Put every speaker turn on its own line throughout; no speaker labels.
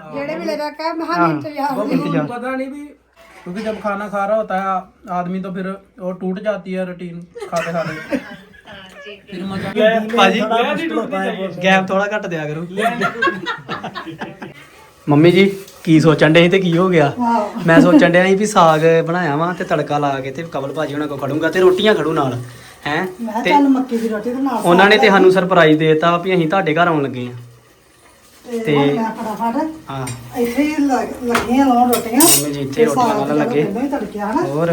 जेड़े मिले रखा हम इंतजार
पता नहीं भी, क्योंकि जब खाना खा रहा होता है आदमी तो फिर वो टूट जाती है रूटीन खाते खाते। फिर मजा
ਭਾਜੀ ਗੈਪ ਥੋੜਾ ਘੱਟ ਦਿਆ ਕਰੋ। ਮੰਮੀ ਜੀ ਕੀ ਸੋਚਣ ਡੇ ਸੀ ਤੇ ਕੀ ਹੋ ਗਿਆ? ਮੈਂ ਸੋਚਣ ਡਿਆ ਸੀ ਵੀ ਸਾਗ ਬਣਾਇਆ ਵਾ ਤੇ ਤੜਕਾ ਲਾ ਕੇ ਤੇ ਕਬਲ ਭਾਜੀ ਉਹਨਾਂ ਕੋਲ ਖੜੂੰਗਾ ਤੇ ਰੋਟੀਆਂ ਖੜੂ ਨਾਲ ਹੈ ਤੇ
मक्की दी रोटी ते नाल
ਉਹਨਾਂ ਨੇ ਤੇ ਸਾਨੂੰ ਸਰਪ੍ਰਾਈਜ਼ ਦੇਤਾ ਵੀ ਅਸੀਂ ਤੁਹਾਡੇ ਘਰ ਆਉਣ ਲੱਗੇ ਆ
ਤੇ ਮੈਂ ਫਟਾਫਟ
ਹਾਂ
ਇੱਥੇ ਹੀ ਲੱਗੀਆਂ ਲਾਉਣ ਰੋਟੀਆਂ
ਮੰਮੀ ਜੀ ਇੱਥੇ ਰੋਟੀਆਂ ਲਾਉਣ ਲੱਗੇ
ਤੜਕਿਆ ਹਨਾ
ਹੋਰ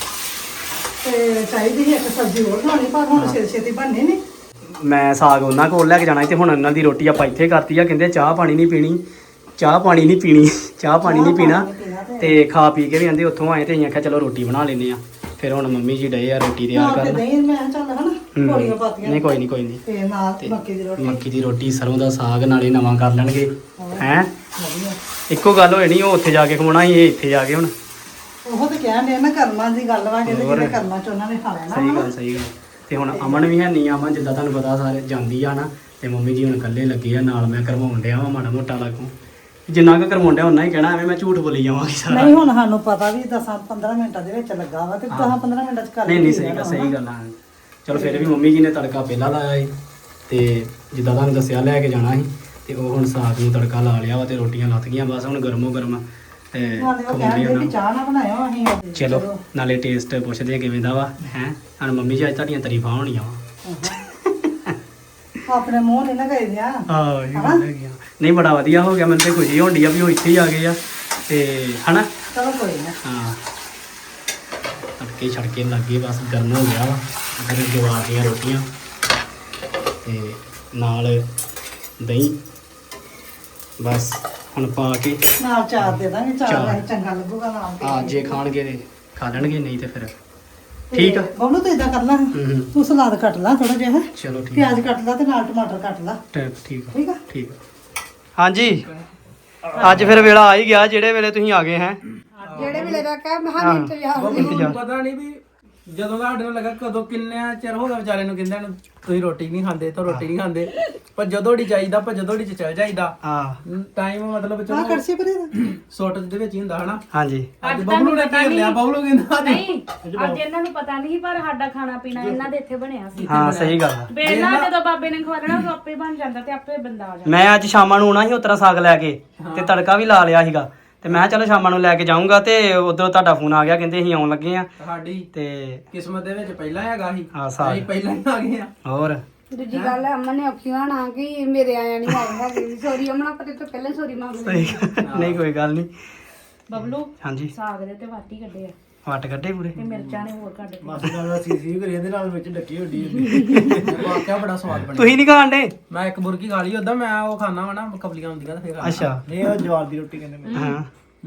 ਤੇ ਚਾਹੀਦੀ ਸੀ ਇੱਕ ਸਬਜ਼ੀ ਹੋਰ ਬਣਾਉਣੀ ਪਰ ਹੁਣ ਛੇਤੀ ਬਣਨੀ ਨਹੀਂ।
ਮੈਂ ਸਾਗ ਉਹਨਾਂ ਕੋਲ ਲੈ ਕੇ ਜਾਣਾ ਸੀ ਤੇ ਹੁਣ ਉਹਨਾਂ ਦੀ ਰੋਟੀ ਆਪਾਂ ਇੱਥੇ ਕਰਤੀ ਆ। ਕਹਿੰਦੇ ਚਾਹ ਪਾਣੀ ਨਹੀਂ ਪੀਣੀ, ਚਾਹ ਪਾਣੀ ਨਹੀਂ ਪੀਣੀ, ਚਾਹ ਪਾਣੀ ਨਹੀਂ ਪੀਣਾ ਤੇ ਖਾ ਪੀ ਕੇ ਵੀ ਆਂਦੇ ਉੱਥੋਂ ਆਏ ਤੇ ਅਸੀਂ ਆਖਿਆ ਚਲੋ ਰੋਟੀ ਬਣਾ ਲੈਂਦੇ ਆ। ਫਿਰ ਹੁਣ ਮੰਮੀ ਜੀ ਡਏ ਆ ਰੋਟੀ ਤਿਆਰ ਕਰਨ।
ਨਹੀਂ ਮੈਂ ਚੱਲ ਹਨਾ ਕੋੜੀਆਂ ਪਾਤੀਆਂ
ਨਹੀਂ ਕੋਈ ਨਹੀਂ ਕੋਈ ਨਹੀਂ
ਤੇ ਨਾਲ ਮੱਕੀ ਦੀ ਰੋਟੀ।
ਮੱਕੀ ਦੀ ਰੋਟੀ ਸਰੋਂ ਦਾ ਸਾਗ ਨਾਲੇ ਨਵਾਂ ਕਰ ਲੈਣਗੇ ਹੈ। ਇੱਕੋ ਗੱਲ ਹੋਏ ਨਹੀਂ, ਉਹ ਉੱਥੇ ਜਾ ਕੇ ਖਵਾਉਣਾ ਸੀ, ਇਹ ਇੱਥੇ ਜਾ ਕੇ ਹੁਣ
ਉਹ ਤਾਂ ਕਹਿਣ ਦੇ ਨਾ ਕਰਮਾਂ ਦੀ ਗੱਲ ਵਾ ਕਹਿੰਦੇ ਜਿਹੜੇ ਕਰਮਾਂ ਚ ਉਹਨਾਂ ਨੇ ਖਾ ਲੈਣਾ।
ਸਹੀ ਗੱਲ ਸਹੀ ਗੱਲ। ਤੇ ਹੁਣ ਅਮਨ ਵੀ ਹੈ ਨਹੀਂ, ਅਮਨ ਜਿੱਦਾਂ ਤੁਹਾਨੂੰ ਪਤਾ ਸਾਰੇ ਜਾਂਦੀ ਆ ਨਾ ਤੇ ਮੰਮੀ ਜੀ ਹੁਣ ਇਕੱਲੇ ਲੱਗੇ ਆ ਨਾਲ। ਮੈਂ ਕਰਵਾਉਣ ਡਿਆ ਵਾ ਮਾੜਾ ਮੋਟਾ ਲਾਗੂ, ਜਿੰਨਾ ਕੁ ਕਰਵਾਉਣ ਡਿਆ ਉਹਨਾਂ ਹੀ ਕਹਿਣਾ, ਐਵੇਂ ਮੈਂ ਝੂਠ ਬੋਲੀ ਜਾਵਾਂਗੀ ਸਾਰਾ।
ਨਹੀਂ ਹੁਣ ਸਾਨੂੰ ਪਤਾ ਵੀ 10-15 ਮਿੰਟਾਂ ਦੇ ਵਿੱਚ ਲੱਗਾ ਵਾ ਤੇ 10-15 ਮਿੰਟਾਂ ਚ ਕਰ
ਨਹੀਂ ਨਹੀਂ ਸਹੀ ਗੱਲ ਆ। ਚਲੋ ਫਿਰ ਵੀ ਮੰਮੀ ਜੀ ਨੇ ਤੜਕਾ ਪਹਿਲਾਂ ਲਾਇਆ ਸੀ ਤੇ ਜਿੱਦਾਂ ਤੁਹਾਨੂੰ ਦੱਸਿਆ ਲੈ ਕੇ ਜਾਣਾ ਸੀ ਤੇ ਉਹ ਹੁਣ ਸਾਗ ਨੂੰ ਤੜਕਾ ਲਾ ਲਿਆ ਵਾ ਤੇ ਰੋਟੀਆਂ ਲੱਥ ਗਈਆਂ ਬਸ ਹੁਣ ਗਰਮੋ ਗਰਮ ਤੇ ਖਵਾਉਂਦੇ
ਵੀ ਚਾਹ ਨਾ ਬਣਾਇਓ ਅਸੀਂ।
ਚਲੋ ਨਾਲੇ ਟੇਸਟ ਪੁੱਛਦੇ ਆ ਕਿਵੇਂ ਦਾ ਵਾ ਹੈ। ਹੁਣ ਮੰਮੀ ਜੀ ਅੱਜ ਤੁਹਾਡੀਆਂ ਤਾਰੀਫਾਂ ਹੋਣੀਆਂ ਵਾ।
ਆਪਣੇ ਮੂੰਹ ਨਹੀਂ ਨਾ ਗਏ ਦਿਆ।
ਹਾਂ ਇਹ ਗੱਲ ਹੈਗੀ ਆ। ਨਹੀਂ ਬੜਾ ਵਧੀਆ ਹੋ ਗਿਆ, ਮੈਨੂੰ ਤੇ ਖੁਸ਼ੀ ਹੋਣ ਡਈ ਆ ਵੀ ਉਹ ਇੱਥੇ ਹੀ ਆ ਗਏ ਆ ਤੇ ਹਨਾ।
ਚਲੋ ਕੋਈ ਨਾ
ਹਾਂ ਤੜਕੇ ਛੜਕੇ ਲੱਗੇ ਬਸ ਗਰਮ ਹੋ ਗਿਆ ਵਾ। ਫਿਰ ਜਵਾਰ ਦੀਆਂ ਰੋਟੀਆਂ ਤੇ ਨਾਲ ਦਹੀਂ ਬਸ ਹੁਣ ਪਾ ਕੇ
ਨਾਲ ਚਾਰ ਦੇ ਦਾਂਗੇ। ਚਾਰ ਚੰਗਾ ਲੱਗੂਗਾ ਨਾਲ ਤੇ।
ਹਾਂ ਜੇ ਖਾਣਗੇ ਤੇ ਖਾ ਲੈਣਗੇ, ਨਹੀਂ ਤੇ ਫਿਰ ਠੀਕ ਆ।
ਬਬਲੂ ਤੂੰ ਇਦਾਂ ਕਰ ਲੈ, ਤੂੰ ਸਲਾਦ ਕੱਟ ਲਾ ਥੋੜਾ ਜਿਹਾ,
ਚਲੋ ਠੀਕ
ਪਿਆਜ਼ ਕੱਟ ਲਾ ਤੇ ਨਾਲ ਟਮਾਟਰ ਕੱਟ ਲਾ।
ਠੀਕ ਆ
ਠੀਕ ਆ
ਠੀਕ ਆ। ਹਾਂਜੀ ਅੱਜ ਫਿਰ ਵੇਲਾ ਆ ਹੀ ਗਿਆ ਜਿਹੜੇ ਵੇਲੇ ਤੁਸੀਂ ਆ ਗਏ ਹੈ।
ਜਿਹੜੇ ਵੇਲੇ ਦਾ ਕਹਿ ਮੈਂ ਇੰਤਜ਼ਾਰ
ਪਤਾ ਨਹੀਂ ਵੀ ਜਦੋਂ ਦਾ ਸਾਡੇ ਨੂੰ ਲੱਗਾ ਕਦੋਂ ਕਿੰਨਾ ਚਿਰ ਹੋ ਗਿਆ ਵਿਚਾਰੇ ਨੂੰ ਕਹਿੰਦੇ ਨੂੰ ਤੁਸੀਂ ਰੋਟੀ ਨਹੀਂ ਖਾਂਦੇ ਤਾਂ ਰੋਟੀ ਨਹੀਂ ਖਾਂਦੇ, ਪਰ ਜਦੋਂ ਢੀ ਜਾਈਦਾ ਪਰ ਜਦੋਂ ਢੀ ਚ ਚੱਲ ਜਾਈਦਾ।
ਹਾਂ
ਟਾਈਮ ਮਤਲਬ ਚਲੋ
ਕਰਸੀ ਪਰੇ ਦਾ
ਸੋਟ ਦੇ ਵਿੱਚ ਹੀ ਹੁੰਦਾ ਹਨਾ।
ਹਾਂਜੀ
ਅੱਜ ਬਬਲੂ ਨੇ ਘੇਰ ਲਿਆ, ਬਬਲੂ ਕਹਿੰਦਾ
ਨਹੀਂ ਅੱਜ ਇਹਨਾਂ ਨੂੰ ਪਤਾ ਨਹੀਂ ਪਰ ਸਾਡਾ ਖਾਣਾ ਪੀਣਾ ਇਹਨਾਂ ਦੇ ਇੱਥੇ ਬਣਿਆ ਸੀ।
ਹਾਂ ਸਹੀ ਗੱਲ ਆ।
ਵੇਲਾ ਜਦੋਂ ਬਾਬੇ ਨੇ ਖਵਾਣਾ ਉਹ ਆਪੇ ਬਣ ਜਾਂਦਾ ਤੇ ਆਪੇ ਬੰਦਾ ਆ ਜਾਂਦਾ।
ਮੈਂ ਅੱਜ ਸ਼ਾਮਾਂ ਨੂੰ ਆਉਣਾ ਸੀ ਉਤਰਾ ਸਾਗ ਲੈ ਕੇ ਤੇ ਤੜਕਾ ਵੀ ਲਾ ਲਿਆ ਸੀਗਾ ਤੇ ਮੈਂ ਕਿਹਾ ਚਲੋ ਸ਼ਾਮਾਂ ਨੂੰ ਲੈ ਕੇ ਜਾਊਂਗਾ ਤੇ ਉਧਰੋਂ ਤੁਹਾਡਾ ਫੋਨ ਆ ਗਿਆ, ਕਹਿੰਦੇ ਅਸੀਂ ਆਉਣ ਲੱਗੇ ਆ
ਸਾਡੀ
ਤੇ
ਕਿਸਮਤ ਦੇ ਵਿੱਚ ਪਹਿਲਾਂ ਹੈਗਾ ਸੀ,
ਹਾਂ ਸਾਗ
ਅਸੀਂ ਪਹਿਲਾਂ ਹੀ ਆ ਗਏ ਆ।
ਹੋਰ
ਦੂਜੀ ਗੱਲ ਅਮਨ ਨੇ ਔਖੀ ਹੋਣਾ ਕਿ ਮੇਰੇ ਆਇਆ ਨਹੀਂ ਆਇਆ ਹੈਗੀ। ਸੋਰੀ ਅਮਨਾ ਪਤੇ ਤੋਂ ਪਹਿਲਾਂ ਸੋਰੀ ਮੰਗ ਲਈ।
ਨਹੀਂ ਕੋਈ ਗੱਲ ਨਹੀਂ।
ਬਬਲੂ
ਹਾਂਜੀ
ਸਾਗ ਦੇ ਤੇ ਵਾਟੀ ਕੱਢੇ ਆ
ਵੱਟ ਕੱਢੇ ਪੂਰੇ
ਤੇ ਮਿਰਚਾਂ ਨੇ ਹੋਰ ਕੱਢ
ਮਾਸੀ ਨਾਲ ਸੀਸੀ ਕਰੀ ਇਹਦੇ ਨਾਲ ਵਿੱਚ ਡੱਕੀ ਹੁੰਦੀ ਵਾਕਿਆ ਬੜਾ ਸਵਾਦ ਬਣਿਆ।
ਤੁਸੀਂ ਨਹੀਂ ਖਾਣਦੇ?
ਮੈਂ ਇੱਕ ਬੁਰਕੀ ਖਾ ਲਈ ਉਦਾਂ, ਮੈਂ ਉਹ ਖਾਣਾ ਵਾ ਨਾ ਕਬਲੀਆਂ ਹੁੰਦੀਆਂ ਤੇ ਫਿਰ
ਅੱਛਾ
ਨਹੀਂ ਉਹ ਜਵਾਰ ਦੀ ਰੋਟੀ ਕਹਿੰਦੇ ਮੈਨੂੰ।
ਹਾਂ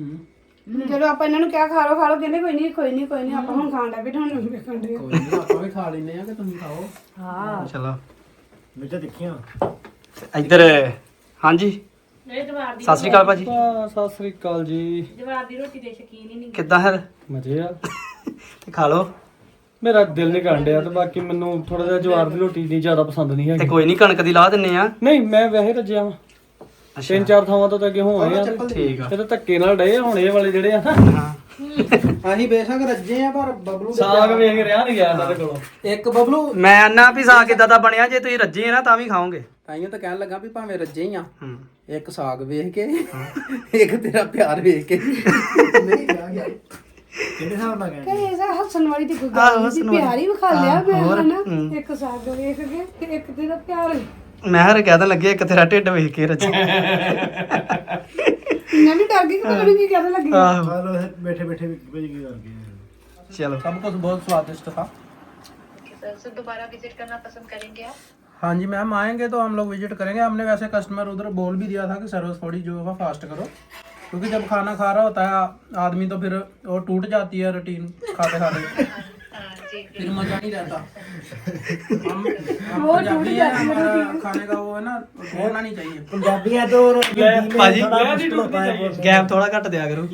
ਚਲੋ ਆਪਾਂ ਇਹਨਾਂ ਨੂੰ ਕਿਹਾ ਖਾ ਲਓ ਕਹਿੰਦੇ ਕੋਈ ਨਹੀਂ ਆਪਾਂ ਹੁਣ ਖਾਣ ਦਾ ਵੀ ਹੁਣ ਵੇਖਣ ਦੇ।
ਕੋਈ ਨਹੀਂ ਆਪਾਂ ਵੀ ਖਾ ਲੈਨੇ ਆ ਕਿ ਤੁਸੀਂ ਖਾਓ।
ਹਾਂ
ਚਲੋ
ਮਿੱਠਾ ਦੇਖੀਆਂ
ਇੱਧਰ ਹਾਂਜੀ
ਇਹ ਜਵਾਰ ਦੀ
ਸਤਿ ਸ੍ਰੀ ਅਕਾਲ ਭਾਜੀ।
ਸਤਿ ਸ੍ਰੀ ਅਕਾਲ ਜੀ।
ਜਵਾਰ ਦੀ ਰੋਟੀ ਦੇ ਸ਼ਕੀਨ ਹੀ ਨਹੀਂ।
ਕਿੱਦਾਂ ਫਿਰ
ਮਜ਼ੇ ਆ।
ਤੇ ਖਾ ਲਓ
ਮੇਰਾ ਦਿਲ ਨਹੀਂ ਕਰਨ ਡਿਆ ਤੇ ਬਾਕੀ ਮੈਨੂੰ ਥੋੜਾ ਜਿਹਾ ਜਵਾਰ ਦੀ ਰੋਟੀ ਨਹੀਂ ਜ਼ਿਆਦਾ ਪਸੰਦ ਨਹੀਂ
ਤੇ
ਹੈਗੀ।
ਕੋਈ ਨਹੀਂ ਕਣਕ ਦੀ ਲਾ ਦਿੰਨੇ ਆ।
ਨਹੀਂ ਮੈਂ ਵੈਸੇ ਰੱਜਿਆ ਵਾਂ,
ਅੱਛਾ
3-4 ਥਾਵਾਂ ਤੋਂ ਤਾਂ ਅੱਗੇ ਹੋ ਆਏ ਆ।
ਠੀਕ ਆ।
ਇਹ ਤਾਂ ਧੱਕੇ ਨਾਲ ਡਏ ਆ ਹੁਣ ਇਹ ਵਾਲੇ ਜਿਹੜੇ ਆ ਨਾ।
ਹਾਂ
ਅਸੀਂ ਬੇਸ਼ੱਕ ਰੱਜੇ ਆ ਪਰ ਬਬਲੂ ਦੇ
ਸਾਗ ਵੇਖ ਰਿਹਾ ਨਹੀਂ ਗਿਆ ਇਹਨਾਂ ਦੇ ਕੋਲੋਂ।
ਇੱਕ ਬਬਲੂ
ਮੈਂ ਆਨਾ ਵੀ ਸਾਗ ਕਿੱਦਾਂ ਦਾ ਬਣਿਆ, ਜੇ ਤੁਸੀਂ ਰੱਜੇ ਆ ਨਾ ਤਾਂ ਵੀ ਖਾਓਗੇ।
ਤਾਈਓ ਤਾਂ ਕਹਿਣ ਲੱਗਾ ਵੀ ਭਾਵੇਂ ਰੱਜੇ ਹੀ ਆ,
ਹੂੰ
ਇੱਕ ਸਾਗ ਵੇਖ ਕੇ ਇੱਕ ਤੇਰਾ ਪਿਆਰ ਵੇਖ ਕੇ ਨਹੀਂ ਗਿਆ ਗਿਆ ਕਿਹੜੇ ਹਿਸਾਬ ਨਾਲ
ਕਿ ਇਹ ਹੱਸਣ ਵਾਲੀ ਤੇ ਕੋਈ ਗੱਲ ਨਹੀਂ ਸੀ। ਪਿਆਰ ਹੀ ਵਿਖਾ ਲਿਆ ਮੈਂ ਹਨਾ। ਇੱਕ ਸਾਗ ਵੇਖ ਕੇ ਤੇ ਇੱਕ ਤੇਰਾ ਪਿਆਰ।
ਮੈਂ ਹਰ ਕਹਿਣ ਲੱਗੇ ਇੱਕ ਤੇਰਾ ਢਿੱਡ ਵੇਖ ਕੇ ਰੱਜੇ।
ਮੈਂ ਵੀ ਡਰ ਗਈ ਕਿ ਪਤਾ ਨਹੀਂ ਕੀ ਕਹਿਣ ਲੱਗੀ।
ਆਹੋ
बैठे बैठे भी कर गए।
चलो
सब कुछ बहुत स्वादिष्ट था।
सर दोबारा विजिट करना पसंद करेंगे आप?
हाँ जी मैम आएंगे तो हम लोग विजिट करेंगे। हमने वैसे कस्टमर उधर बोल भी दिया था कि सर्विस थोड़ी जो है फास्ट करो, क्योंकि जब खाना खा रहा होता है आदमी तो फिर वो टूट जाती है रूटीन खाते खाते, फिर मजा नहीं रहता। हम पंजाबी है, हमारा खाने का वो है ना, छोड़ना नहीं चाहिए। पंजाबी है तो
भाजी गैप थोड़ा घट दिया करो।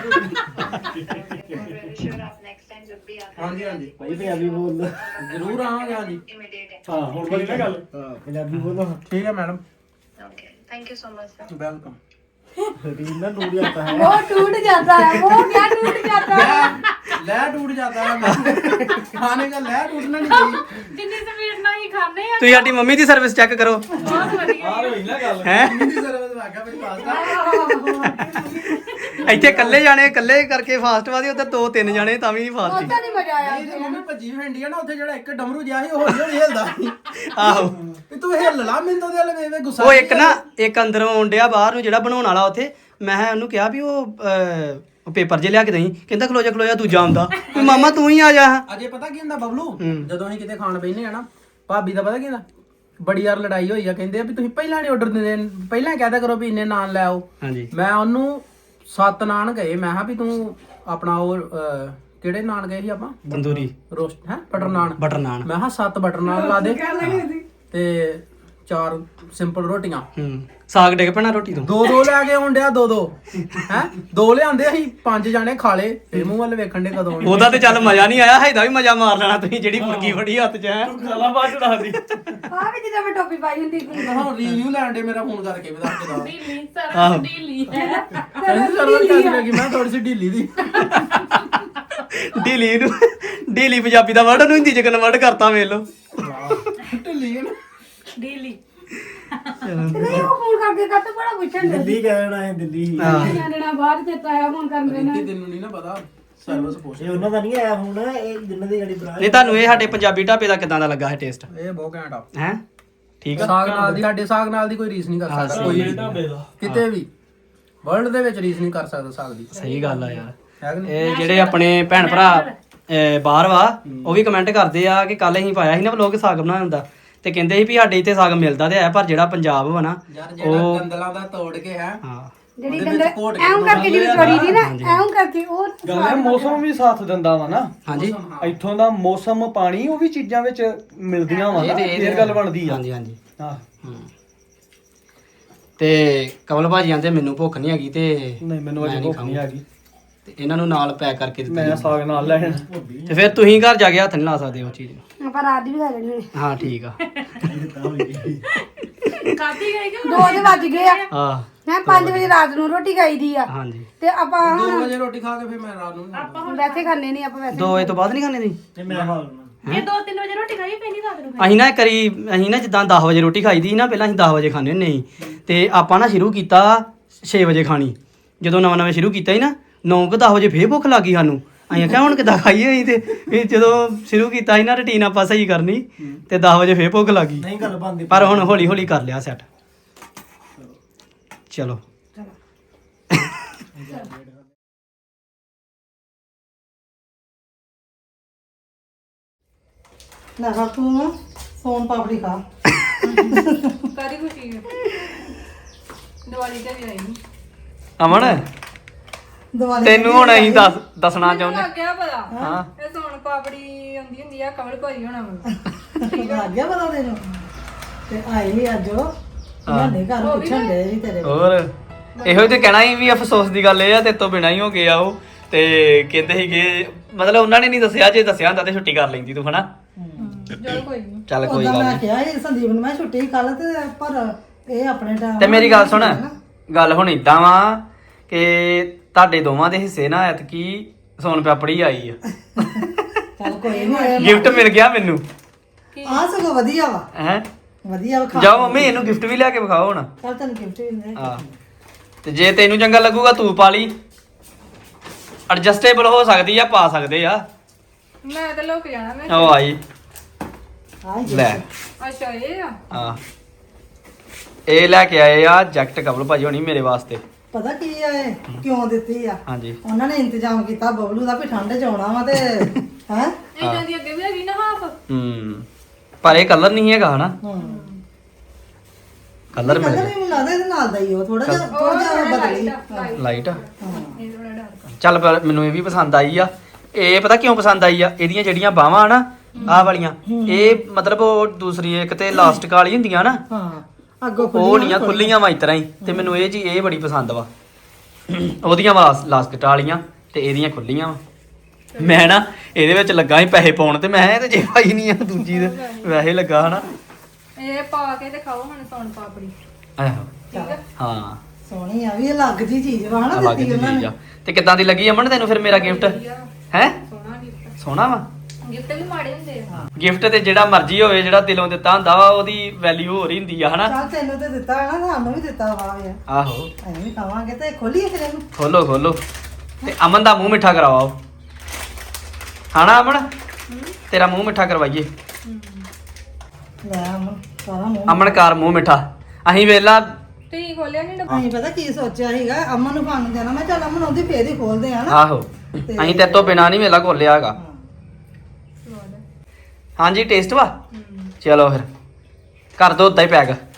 हाँ जी हाँ जी भाई पंजाबी बोल दो, जरूर आवांगे। हाँ जी
ਹਾਂ ਹੁਣ ਬਣੀ ਨਾ ਗੱਲ।
पंजाबी बोलो। ठीक है madam,
thank you so much sir.
Welcome.
रीना टूट जाता है।
वो टूट जाता है, वो क्या टूट जाता है?
लह टूट जाता है खाने का लह टूटना नहीं चाहिए।
ਜਿੰਨੀ ਸਪੀਡ ਨਾਲ ਹੀ ਖਾਣੇ ਆ
ਤੁਸੀਂ ਸਾਡੀ ਮੰਮੀ ਦੀ ਸਰਵਿਸ ਚੈੱਕ ਕਰੋ
ਬਹੁਤ ਵਧੀਆ
आ रही ना गल।
ਹੈ
हिंदी सर्विस में आगे भाई पास्ता
ਇੱਥੇ ਇਕੱਲੇ ਜਾਣੇ ਇਕੱਲੇ ਕਰਕੇ ਫਾਸਟ ਵਾਦੀ ਉੱਧਰ 2-3 ਜਾਣੇ ਤਾਂ ਵੀ ਫਾਸਟ
ਉਹਦਾ ਨਹੀਂ ਮਜ਼ਾ ਆਇਆ
ਨਹੀਂ ਤੇ ਮੰਮੀ ਭੱਜੀ ਫੈਂਡੀ ਆ ਨਾ ਉੱਥੇ ਜਿਹੜਾ ਇੱਕ ਡਮਰੂ ਜਿਹਾ ਸੀ ਉਹ ਹੌਲੀ ਹੌਲੀ ਹਿਲਦਾ ਸੀ
ਆਹੋ
ਵੀ ਤੂੰ ਹਿੱਲ ਲਾ ਮੈਨੂੰ ਉਹਦੇ ਵਾਲੇ ਵੇਵੇਂ ਗੁੱਸਾ
ਉਹ ਇੱਕ ਨਾ ਇੱਕ ਅੰਦਰੋਂ ਆਉਂਦਿਆ ਬਾਹਰ ਨੂੰ ਜਿਹੜਾ ਬਣਾਉਣ ਵਾਲਾ ਉੱਥੇ ਮੈਂ ਉਹਨੂੰ ਕਿਹਾ ਵੀ ਉਹ ਪੇਪਰ ਜੇ ਲਿਆ ਕੇ ਦੇਈ ਕਹਿੰਦਾ ਖਲੋ ਜਾ ਦੂਜਾ ਆਉਂਦਾ ਵੀ ਮਾਮਾ ਤੂੰ ਹੀ ਆ ਜਾ
ਅਜੇ ਪਤਾ ਕੀ ਹੁੰਦਾ ਬਬਲੂ ਜਦੋਂ ਅਸੀਂ ਕਿਤੇ ਖਾਣ ਬੈਠਨੇ ਆ ਨਾ ਭਾਬੀ ਦਾ ਪਤਾ ਕੀ ਹੁੰਦਾ ਬੜੀ ਯਾਰ ਲੜਾਈ ਹੋਈ ਆ ਕਹਿੰਦੇ ਆ ਵੀ ਤੁਸੀਂ ਪਹਿਲਾਂ ਨਹੀਂ ਆਰਡਰ ਦਿੰਦੇ ਪਹਿਲਾਂ ਕਹਿਦਾ ਕਰੋ ਵੀ ਇੰਨੇ ਨਾਨ ਲੈ ਆਓ
ਹਾਂਜੀ
ਮੈਂ ਉਹਨੂੰ 7 ਨਾਨ ਗਏ ਮੈਂ ਕਿਹਾ ਵੀ ਤੂੰ ਆਪਣਾ ਉਹ ਕਿਹੜੇ ਨਾਨ ਗਏ ਸੀ ਆਪਾਂ
ਤੰਦੂਰੀ
ਰੋਸਟ ਹੈ ਬਟਰ ਨਾਨ
ਬਟਰ ਨਾਨ
ਮੈਂ ਕਿਹਾ 7 ਬਟਰ ਨਾਨ ਲਾ ਦੇ ਤੇ 4 ਸਿੰਪਲ ਰੋਟੀਆਂ
ਸਾਗ ਡਿੱਗ ਪੈਣਾ ਰੋਟੀ ਤੋਂ
ਦੋ ਲੈ ਕੇ ਆਉਣ ਡਿਆ ਦੋ ਹੈ 2 ਲਿਆਂਦੇ ਅਸੀਂ 5 ਜਾਣੇ ਖਾ ਲੇ ਇਹ ਮੂੰਹ ਵੱਲ ਵੇਖਣ ਦੇ ਕਦੋਂ ਆਉਣੇ।
ਉਹਦਾ ਤੇ ਚੱਲ ਮਜ਼ਾ ਨਹੀਂ ਆਇਆ ਹੈਦਾ ਵੀ ਮਜ਼ਾ ਮਾਰ ਲੈਣਾ ਤੁਸੀਂ ਜਿਹੜੀ ਮੁਰਗੀ ਫੜੀ ਹੱਥ 'ਚ ਹੈ
खाला बात उड़ा दी।
ਆ ਵੀ ਜਿੱਦਾਂ ਮੈਂ ਟੋਪੀ ਪਾਈ ਹੁੰਦੀ ਸੀ।
ਮੈਂ ਹੁਣ ਰਿਵਿਊ ਲੈਣ ਦੇ ਮੇਰਾ ਫੋਨ ਕਰਕੇ ਵੀ ਦੱਸ ਕੇ ਦੱਸ
ਢੀਲੀ ਸਰ ਢੀਲੀ ਹੈ
ਕਹਿੰਦੀ ਸਰਵਰ ਕੈਸੇ ਲੱਗੀ ਮੈਂ ਥੋੜੀ ਸੀ ਢੀਲੀ ਦੀ
ਢੀਲੀ ਪੰਜਾਬੀ ਦਾ ਵਰਡ ਉਹਨੂੰ ਹਿੰਦੀ 'ਚ ਕਨਵਰਟ ਕਰਤਾ ਵੇਖ ਲਓ
ਢਿੱਲੀ ਹੈ ਨਾ
ਢੀਲੀ
ਤੇ ਨਹੀਂ ਉਹ ਫੋਨ ਕਰਕੇ ਕੱਟ ਬੜਾ ਪੁੱਛਣ ਦੇ
दिल्ली कहना है दिल्ली।
ਜਾਣਨਾ ਬਾਹਰ ਤੇ ਤਾਇਆ ਫੋਨ ਕਰਨ ਦੇ ਨਾ
ਤੈਨੂੰ ਨਹੀਂ ਨਾ ਪਤਾ ਸਰਵਿਸ ਪੁੱਛ
ये उन्होंने नहीं आया हूं ना ये जिन्हों दी गाड़ी ब्रांच।
ਨਹੀਂ ਤੁਹਾਨੂੰ ਇਹ ਸਾਡੇ ਪੰਜਾਬੀ ਢਾਬੇ ਦਾ ਕਿਦਾਂ ਦਾ ਲੱਗਾ ਹੈ ਟੇਸਟ
ਇਹ ਬਹੁਤ ਘੈਂਟ ਆ
ਹੈ ਠੀਕ ਆ
ਸਾਗ ਨਾਲ ਦੀ ਸਾਡੇ ਸਾਗ ਨਾਲ ਦੀ ਕੋਈ ਰੀਸ ਨਹੀਂ ਕਰ ਸਕਦਾ ਕੋਈ ਵੀ ਕਿਤੇ ਵੀ ਵਰਲਡ ਦੇ ਵਿੱਚ ਰੀਸ ਨਹੀਂ ਕਰ ਸਕਦਾ ਸਾਗ ਦੀ
ਸਹੀ ਗੱਲ ਆ ਯਾਰ
ਹੈ ਕਿ ਨਹੀਂ
ਇਹ ਜਿਹੜੇ ਆਪਣੇ ਭੈਣ ਭਰਾ ਬਾਹਰ ਵਾ ਉਹ ਵੀ ਕਮੈਂਟ ਕਰਦੇ ਆ ਕਿ ਕੱਲ ਅਸੀਂ ਪਾਇਆ ਸੀ ਨਾ ਵਲੋਗ ਸਾਗ ਬਣਾਇਆ ਹੁੰਦਾ ਤੇ ਕਹਿੰਦੇ ਸੀ ਵੀ ਸਾਡੇ ਇੱਥੇ ਸਾਗ ਮਿਲਦਾ ਤੇ ਹੈ ਪਰ ਜਿਹੜਾ ਪੰਜਾਬ ਵਾ ਨਾ
ਯਾਰ ਜਿਹੜਾ ਗੰਦਲਾਂ ਦਾ ਤੋੜ ਕੇ ਹੈ
ਹਾਂ
ਜਿਹੜੀ ਕੰਦਰ ਐਉਂ ਕਰਕੇ ਜਿਹੜੀ ਤੋੜੀ ਦੀ ਨਾ ਐਉਂ ਕਰਕੇ ਉਹ
ਗੱਲ ਹੈ ਮੌਸਮ ਵੀ ਸਾਥ ਦਿੰਦਾ ਵਾ ਨਾ
ਹਾਂਜੀ
ਇੱਥੋਂ ਦਾ ਮੌਸਮ ਪਾਣੀ ਉਹ ਵੀ ਚੀਜ਼ਾਂ ਵਿੱਚ ਮਿਲਦੀਆਂ ਵਾ ਨਾ ਫੇਰ ਗੱਲ ਬਣਦੀ ਆ।
ਹਾਂਜੀ ਹਾਂਜੀ
ਹਾਂ
ਤੇ ਕਮਲ ਭਾਜੀ ਆਂਦੇ ਮੈਨੂੰ ਭੁੱਖ ਨਹੀਂ ਹੈਗੀ ਤੇ
ਨਹੀਂ ਮੈਨੂੰ ਅਜੇ ਭੁੱਖ ਨਹੀਂ ਆ ਗਈ
ਤੇ ਇਹਨਾਂ ਨੂੰ ਨਾਲ ਪੈਕ ਕਰਕੇ ਦਿੱਤੀ
ਮੈਂ ਸਾਗ ਨਾਲ ਲੈਣ।
ਤੇ ਫਿਰ ਤੁਸੀਂ ਘਰ ਜਾ ਕੇ ਹੱਥ ਨਹੀਂ ਲਾ ਸਕਦੇ ਉਹ ਚੀਜ਼ ਨੂੰ
ਆਪਾਂ ਰਾਤ ਦੀ ਵੀ ਖਾ ਲੈਣੀ ਹੋਣੀ
ਹਾਂ ਠੀਕ ਆ
ਕਾਤੀ ਗਈ ਕਿ
2 ਵੱਜ ਗਏ ਆ
ਹਾਂ
ਹੈ 5 ਵਜੇ ਰਾਤ ਨੂੰ ਰੋਟੀ ਖਾਈਦੀ ਆ
ਹਾਂਜੀ
ਤੇ ਆਪਾਂ
2 ਵਜੇ ਰੋਟੀ ਖਾ ਕੇ ਫਿਰ ਮੈਂ ਰਾਤ ਨੂੰ ਨਹੀਂ ਖਾਂਦਾ।
ਵੈਸੇ ਖਾਣੇ ਨਹੀਂ ਆਪਾਂ ਵੈਸੇ
2 ਵਜੇ ਤੋਂ ਬਾਅਦ ਨਹੀਂ ਖਾਣੇ ਤੁਸੀਂ
ਤੇ ਮੈਂ ਖਾ ਲੈਣਾ।
ਇਹ 2-3 ਵਜੇ ਰੋਟੀ ਖਾਈ ਪੈਣੀ ਰਾਤ ਨੂੰ
ਅਸੀਂ ਨਾ ਜਿੱਦਾਂ 10 ਵਜੇ ਰੋਟੀ ਖਾਈਦੀ ਸੀ ਨਾ ਪਹਿਲਾਂ ਅਸੀਂ 10 ਵਜੇ ਖਾਂਦੇ ਹੁੰਦੇ ਸੀ ਤੇ ਆਪਾਂ ਨਾ ਸ਼ੁਰੂ ਕੀਤਾ 6 ਵਜੇ ਖਾਣੀ ਜਦੋਂ ਨਵਾਂ ਸ਼ੁਰੂ ਕੀਤਾ ਸੀ ਨਾ 9-10 ਵਜੇ ਫੇਰ ਭੁੱਖ ਲੱਗੀ ਸਾਨੂੰ ਅਸੀਂ ਆਖਿਆ ਹੁਣ ਕਿੱਦਾਂ ਖਾਈਏ ਅਸੀਂ ਤੇ ਇਹ ਜਦੋਂ ਸ਼ੁਰੂ ਕੀਤਾ ਸੀ ਨਾ ਰੁਟੀਨ ਆਪਾਂ ਸਹੀ ਕਰਨੀ ਤੇ 10 ਵਜੇ ਫੇਰ ਭੁੱਖ ਲੱਗੀ
ਨਹੀਂ ਗੱਲ ਬਣਦੀ
ਪਰ ਹੁਣ ਹੌਲੀ ਹੌਲੀ ਕਰ ਲਿਆ ਸੈੱਟ ਚਲੋ
ਨਾ ਖਾ ਤੂੰ ਸੋਨ ਪਾਪੜੀ ਖਾ
ਸਾਰੀ ਖੁਸ਼ੀ ਹੈ ਦੀਵਾਲੀ ਤੇ ਵੀ ਆਈ ਨਹੀਂ
ਅਮਨ
ਦੀਵਾਲੀ
ਤੈਨੂੰ ਹੁਣ ਅਸੀਂ ਦੱਸਣਾ ਚਾਹੁੰਦੇ
ਲੱਗਿਆ ਪਤਾ
ਹਾਂ
ਇਹ ਸੋਨ ਪਾਪੜੀ ਆਉਂਦੀ ਹੁੰਦੀ ਆ ਕਮਲ ਭਾਈ ਹੋਣਾ ਵਾ
ਲੱਗ ਗਿਆ ਪਤਾ ਤੈਨੂੰ ਤੇ ਆਈ ਨਹੀਂ ਅੱਜ ਉਹ ਸਾਡੇ ਘਰ ਪੁੱਛਣ ਦੇ ਜੀ ਤੇਰੇ
ਹੋਰ ਇਹੋ ਤੇ ਕਹਿਣਾ ਹੀ ਵੀ ਅਫਸੋਸ ਦੀ ਗੱਲ ਇਹ ਆ ਤੇ ਤੋਂ ਬਿਨਾ ਹੀ ਹੋ ਗਿਆ ਉਹ ਤੇ ਕਹਿੰਦੇ ਸੀਗੇ ਮਤਲਬ ਉਹਨਾਂ ਨੇ ਨਹੀਂ ਦੱਸਿਆ ਜੇ ਦੱਸਿਆ ਹੁੰਦਾ ਤੇ ਛੁੱਟੀ ਕਰ ਲੈਂਦੀ ਤੂੰ ਹਨਾ
ਚਲ ਕੋਈ ਨਹੀਂ
ਚੱਲ ਕੋਈ
ਉਦੋਂ
ਗੱਲ
ਮੈਂ
ਨਹੀਂ
ਕਿਹਾ ਇਹ ਸੰਦੀਪ ਨੂੰ ਮੈਂ ਛੁੱਟੀ ਕਰ ਲਾ ਤੇ ਪਰ ਇਹ ਆਪਣੇ ਟਾਈਮ
ਤੇ ਮੇਰੀ ਗੱਲ ਸੁਣ ਗੱਲ ਹੁਣ ਇਦਾਂ ਵਾ ਕਿ ਤੁਹਾਡੇ ਦੋਵਾਂ ਦੇ ਹਿੱਸੇ ਨਾ ਐਤਕੀ ਸੋਨ ਪਾਪੜੀ ਆਈ ਆ
ਚੱਲ ਕੋਈ ਨਹੀਂ
ਗਿਫਟ ਮਿਲ ਗਿਆ ਮੈਨੂੰ
ਆ ਸਗੋਂ ਵਧੀਆ ਵਾ
ਹੈ
ਵਧੀਆ ਵਾ ਖਾ
ਜਾਓ ਮੰਮੀ ਇਹਨੂੰ ਗਿਫਟ ਵੀ ਲਿਆ ਕੇ ਵਿਖਾਓ ਹੁਣ
ਚੱਲ ਤੈਨੂੰ ਗਿਫਟ ਵੀ ਦੇ
ਹਾਂ ਤੇ ਜੇ ਤੈਨੂੰ ਚੰਗਾ ਲੱਗੂਗਾ ਤੂੰ ਪਾ ਲਈ ਐਡਜਸਟੇਬਲ ਹੋ ਸਕਦੀ ਆ ਪਾ ਸਕਦੇ ਆ
ਮੈਂ ਤਾਂ ਲੋਕ ਜਾਣਾ ਮੈਂ
ਉਹ ਆਈ
ਆ
ਲੈ
ਅੱਛਾ ਇਹ ਆ
ਹਾਂ ਇਹ ਲੈ ਕੇ ਆਏ ਆ ਜੈਕਟ ਕਬਲ ਭਾਜੀ ਹੋਣੀ ਮੇਰੇ ਵਾਸਤੇ
ਪਤਾ ਕੀ ਆ ਇਹ ਕਿਉਂ ਦਿੱਤੀ ਆ
ਹਾਂਜੀ
ਉਹਨਾਂ ਨੇ ਇੰਤਜ਼ਾਮ ਕੀਤਾ ਬਬਲੂ ਦਾ ਵੀ ਠੰਡ ਚ ਆਉਣਾ ਵਾ ਤੇ ਹੈ
ਇਹਨਾਂ ਦੀ ਅੱਗੇ ਵੀ ਹੈਗੀ ਨਾ ਹਾਫ
ਪਰ ਇਹ ਕਲਰ ਨਹੀਂ ਹੈਗਾ ਹਨਾ ਕਲਰ ਮਿਲ
ਕਲਰ
ਗਿਆ
ਵੀ ਲੱਗਦਾ ਇਹਦੇ ਨਾਲ ਦਾ ਹੀ ਉਹ ਥੋੜਾ ਜਿਹਾ ਬਦਲੀ
ਲਾਈਟ
ਇਹ ਥੋੜਾ ਡਾਰਕ
ਚੱਲ ਪਰ ਮੈਨੂੰ ਇਹ ਵੀ ਪਸੰਦ ਆਈ ਆ ਇਹ ਪਤਾ ਕਿਉਂ ਪਸੰਦ ਆਈ ਆ ਇਹਦੀਆਂ ਜਿਹੜੀਆਂ ਬਾਹਾਂ ਨਾ ਆਹ ਵਾਲੀਆਂ ਇਹ ਮਤਲਬ ਉਹ ਦੂਸਰੀ ਇੱਕ ਤੇ ਲਾਸਟਿਕ ਵਾਲੀ ਹੁੰਦੀਆਂ ਨਾ
ਹਾਂ ਅੱਗੋਂ
ਉਹ ਨਹੀਂ ਆ ਖੁੱਲੀਆਂ ਵਾ ਇਤਰਾ ਹੀ ਤੇ ਮੈਨੂੰ ਇਹ ਜੀ ਇਹ ਬੜੀ ਪਸੰਦ ਵਾ ਉਹਦੀਆਂ ਲਾਸਟਿਕ ਵਾਲੀਆਂ ਤੇ ਇਹਦੀਆਂ ਖੁੱਲੀਆਂ ਵਾ ਮੈਂ ਨਾ ਇਹਦੇ ਵਿੱਚ ਲੱਗਾ ਸੀ ਪੈਸੇ ਪਾਉਣ ਤੇ ਮੈਂ ਇਹ ਤੇ ਜੇ ਭਾਈ ਨਹੀਂ ਆ ਦੂਜੀ ਦੇ ਵੈਸੇ ਲੱਗਾ ਹਨਾ
ਇਹ ਪਾ ਕੇ ਤੇ ਖਾਓ ਹੁਣ ਸੌਣ ਪਾਪੜੀ
ਆਹੋ
ਠੀਕ ਹੈ
ਹਾਂ
ਸੋਹਣੀ ਆ ਵੀ ਅਲੱਗ ਜੀ ਚੀਜ਼ ਵਾ ਹਨਾ
ਅਲੱਗ
ਦਿੱਤੀ
ਜਿਹੀ
ਉਹਨਾਂ
ਚੀਜ਼
ਨੇ
ਆ ਤੇ ਕਿੱਦਾਂ ਦੀ ਲੱਗੀ ਅਮਨ ਤੈਨੂੰ ਫਿਰ ਮੇਰਾ ਗਿਫਟ ਹੈ ਸੋਹਣਾ ਵਾ
ਗਿਫਟ ਵੀ ਮਾੜੇ ਹੁੰਦੇ ਆ
ਗਿਫਟ ਤੇ ਜਿਹੜਾ ਮਰਜ਼ੀ ਹੋਵੇ ਜਿਹੜਾ ਦਿਲੋਂ ਦਿੱਤਾ ਹੁੰਦਾ ਵਾ ਉਹਦੀ ਵੈਲਿਊ ਹੋਰ ਹੀ ਹੁੰਦੀ ਆ ਹਨਾ
ਚੱਲ ਤੈਨੂੰ ਤੇ ਦਿੱਤਾ ਹੈ ਨਾ ਸਾਨੂੰ ਵੀ ਦਿੱਤਾ ਵਾ ਯਾਰ
ਆਹੋ
ਅਸੀਂ ਵੀ ਖਾਵਾਂਗੇ ਤੇ ਖੋਲੀਏ ਫਿਰ ਇਹਨੂੰ
ਖੋਲੋ ਖੋਲੋ ਤੇ ਅਮਨ ਦਾ ਮੂੰਹ ਮਿੱਠਾ ਕਰਵਾਓ ਖਾਣਾ ਅਮਨ ਤੇਰਾ ਮੂੰਹ ਮਿੱਠਾ ਕਰਵਾਈਏ
ਲੈ ਅਮਨ ਸਾਰਾ ਮੂੰਹ
ਅਮਨ ਕਰ ਮੂੰਹ ਮਿੱਠਾ ਅਸੀਂ ਵੇਲਾ
ਤੁਸੀਂ ਖੋਲਿਆ ਨਹੀਂ
ਅਸੀਂ ਪਤਾ ਕੀ ਸੋਚਿਆ ਸੀਗਾ ਅਮਨ ਨੂੰ ਖਾਣ ਨੂੰ ਦੇਣਾ ਮੈਂ ਚੱਲ ਅਮਨ ਉਹਦੀ ਫੇਰ ਹੀ ਖੋਲਦੇ ਆ ਨਾ
ਆਹੋ ਅਸੀਂ ਤੇਰੇ ਤੋਂ ਬਿਨਾ ਨਹੀਂ ਵੇਲਾ ਖੋਲਿਆ ਹੈਗਾ ਹਾਂਜੀ ਟੇਸਟ ਵਾ ਚਲੋ ਫਿਰ ਕਰ ਦੋ ਉਦਾਂ ਹੀ ਪੈਕ